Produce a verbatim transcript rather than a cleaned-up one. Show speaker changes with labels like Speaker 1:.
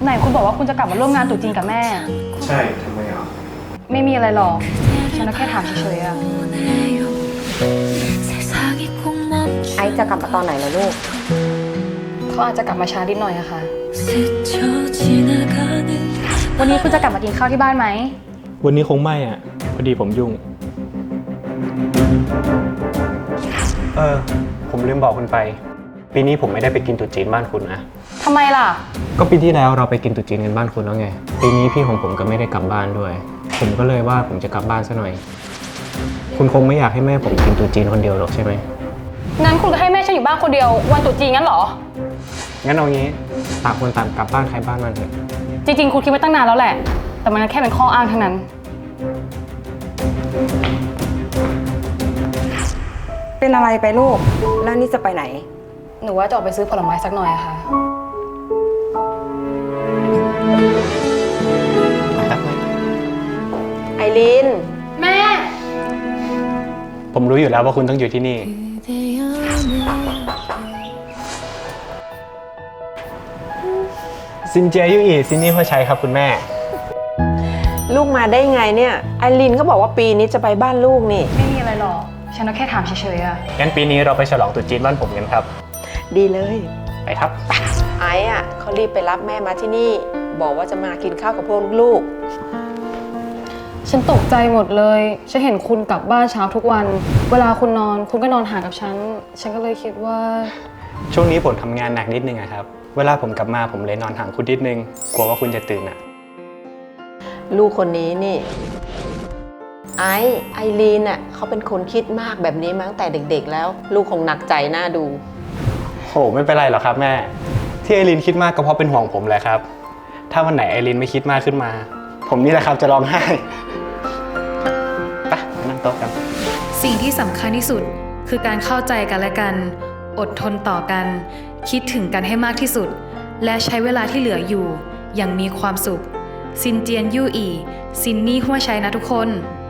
Speaker 1: ไหนคุณบอกว่าคุณจะกลับมาร่วมงานตรุษจีนกับแม่
Speaker 2: ใช่ทำไมอ่ะ
Speaker 1: ไม่มีอะไรหรอกฉันแค่ถามเฉยๆอะ
Speaker 3: ไอซ์จะกลับมาตอนไหนล่ะลูก
Speaker 1: เขาอาจจะกลับมาช้านิดหน่อยอะค่ะวันนี้คุณจะกลับมากินข้าวที่บ้านไหม
Speaker 2: วันนี้คงไม่อ่ะพอดีผมยุ่งเออผมลืมบอกคุณไปปีนี้ผมไม่ได้ไปกินตุ๊จีนบ้านคุณนะ
Speaker 1: ทำไมล่ะ
Speaker 2: ก็ปีที่แล้วเราไปกินตุ๊จีนกันบ้านคุณแล้วไงปีนี้พี่ของผมก็ไม่ได้กลับบ้านด้วยผมก็เลยว่าผมจะกลับบ้านซะหน่อยคุณคงไม่อยากให้แม่ผมกินตุ๊จีนคนเดียวหรอกใช่ไหม
Speaker 1: งั้นคุณก็ให้แม่ฉันอยู่บ้านคนเดียววันตรุษจีนงั้นเหรอ
Speaker 2: งั้นเอางี้ต่างคนต่างกลับบ้านใครบ้านมันเถอะ
Speaker 1: จริงๆคุณคิดไว้ตั้งนานแล้วแหละแต่มันแค่เป็นข้ออ้างทั้งนั้น
Speaker 3: เป็นอะไรไปลูกแล้วนี่จะไปไหน
Speaker 1: หนูว่าจะออกไปซื้อผลไม้สักหน่อยอะค่ะ
Speaker 3: ไอริน
Speaker 1: แม่
Speaker 2: ผมรู้อยู่แล้วว่าคุณต้องอยู่ที่นี่ซินเจียยุอีซินนี่พ่อชัยครับคุณแม่
Speaker 3: ลูกมาได้ไงเนี่ยไอรินเขาบอกว่าปีนี้จะไปบ้านลูกนี่
Speaker 1: ไม่มีอะไรหรอกฉันแค่ถามเฉยๆอะ
Speaker 2: งั้นปีนี้เราไปฉลองตรุษจีนบ้านผมกันครับ
Speaker 3: ดีเลย
Speaker 2: ไปครับ
Speaker 3: ไอ้อะเขารีบไปรับแม่มาที่นี่บอกว่าจะมากินข้าวกับพวกลูก
Speaker 1: ฉันตกใจหมดเลยฉันเห็นคุณกลับบ้านเช้าทุกวันเวลาคุณนอนคุณก็นอนห่างกับฉันฉันก็เลยคิดว่า
Speaker 2: ช่วงนี้ผมทำงานหนักนิดนึงอะครับเวลาผมกลับมาผมเลยนอนห่างคุณนิดนึงกลัวว่าคุณจะตื่นอะ
Speaker 3: ลูกคนนี้นี่ไอไอรีนน่ะเขาเป็นคนคิดมากแบบนี้มาตั้งแต่เด็กๆแล้วลูกคงหนักใจน่าดู
Speaker 2: โหไม่เป็นไรหรอกครับแม่ที่ไอรีนคิดมากก็เพราะเป็นห่วงผมแหละครับถ้าวันไหนไอรีนไม่คิดมากขึ้นมาผมนี่แหละครับจะร้องไห้ไปนั่งโต๊ะกัน
Speaker 1: สิ่งที่สำคัญที่สุดคือการเข้าใจกันและกันอดทนต่อกันคิดถึงกันให้มากที่สุดและใช้เวลาที่เหลืออยู่อย่างมีความสุขซินเจียนยู่อีซินนี่หัวชัยนะทุกคน